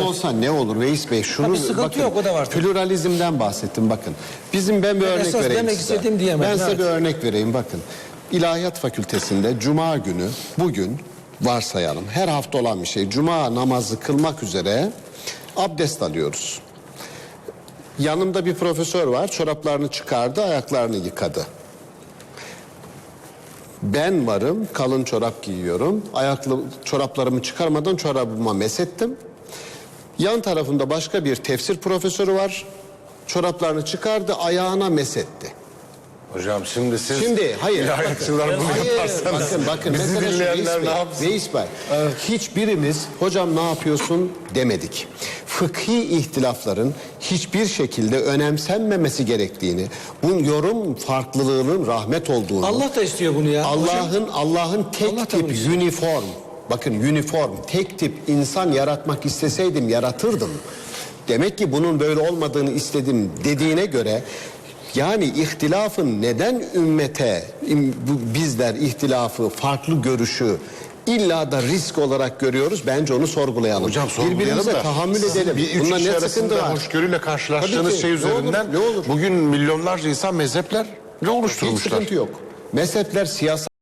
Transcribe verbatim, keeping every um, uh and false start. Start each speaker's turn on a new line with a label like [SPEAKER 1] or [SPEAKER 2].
[SPEAKER 1] olsa ne olur Veys Bey? Şunu
[SPEAKER 2] bir sıkıntı
[SPEAKER 1] bakın,
[SPEAKER 2] yok, o da var tabii.
[SPEAKER 1] pluralizmden bahsettim bakın. Bizim ben bir
[SPEAKER 2] Ben
[SPEAKER 1] örnek
[SPEAKER 2] esas
[SPEAKER 1] vereyim
[SPEAKER 2] demek
[SPEAKER 1] size.
[SPEAKER 2] istediğim diyemedim,
[SPEAKER 1] Ben size
[SPEAKER 2] evet.
[SPEAKER 1] bir örnek vereyim bakın. İlahiyat Fakültesinde Cuma günü bugün varsayalım her hafta olan bir şey. Cuma namazı kılmak üzere abdest alıyoruz. Yanımda bir profesör var, çoraplarını çıkardı, ayaklarını yıkadı. Ben varım, kalın çorap giyiyorum. Ayaklı çoraplarımı çıkarmadan çorabıma mesettim. Yan tarafında başka bir tefsir profesörü var. Çoraplarını çıkardı, ayağına mesetti.
[SPEAKER 3] Hocam şimdi siz
[SPEAKER 1] Şimdi hayır.
[SPEAKER 3] ilahiyatçılar bunu
[SPEAKER 1] Hayır,
[SPEAKER 3] yaparsanız
[SPEAKER 1] bakın bakın.
[SPEAKER 3] bizi
[SPEAKER 1] Mesela şu
[SPEAKER 3] dinleyenler
[SPEAKER 1] Veys Bey,
[SPEAKER 3] ne yapsın?
[SPEAKER 1] Veys Bey, hiçbirimiz hocam ne yapıyorsun demedik. Fıkhi ihtilafların hiçbir şekilde önemsenmemesi gerektiğini, bunun yorum farklılığının rahmet olduğunu,
[SPEAKER 2] Allah da istiyor bunu ya.
[SPEAKER 1] Allah'ın Allah'ın
[SPEAKER 2] Allah
[SPEAKER 1] tek
[SPEAKER 2] da
[SPEAKER 1] tip
[SPEAKER 2] bunu istiyor.
[SPEAKER 1] uniform, bakın uniform, tek tip insan yaratmak isteseydim yaratırdım. Demek ki bunun böyle olmadığını istedim dediğine göre, yani ihtilafın neden ümmete, bu- bizler ihtilafı, farklı görüşü illa da risk olarak görüyoruz? Bence onu sorgulayalım.
[SPEAKER 3] Hocam sorgulayalım
[SPEAKER 1] Birbirimize
[SPEAKER 3] da
[SPEAKER 1] tahammül
[SPEAKER 3] sizin
[SPEAKER 1] edelim.
[SPEAKER 3] bir üç
[SPEAKER 1] Bunda
[SPEAKER 3] kişi
[SPEAKER 1] ne sıkıntı
[SPEAKER 3] arasında
[SPEAKER 1] var?
[SPEAKER 3] hoşgörüyle karşılaştığınız
[SPEAKER 1] Tabii ki.
[SPEAKER 3] şey
[SPEAKER 1] Ne olur,
[SPEAKER 3] üzerinden
[SPEAKER 1] ne olur.
[SPEAKER 3] bugün milyonlarca insan mezhepler
[SPEAKER 1] Hiç
[SPEAKER 3] oluşturmuşlar.
[SPEAKER 1] sıkıntı yok. Mezhepler siyasal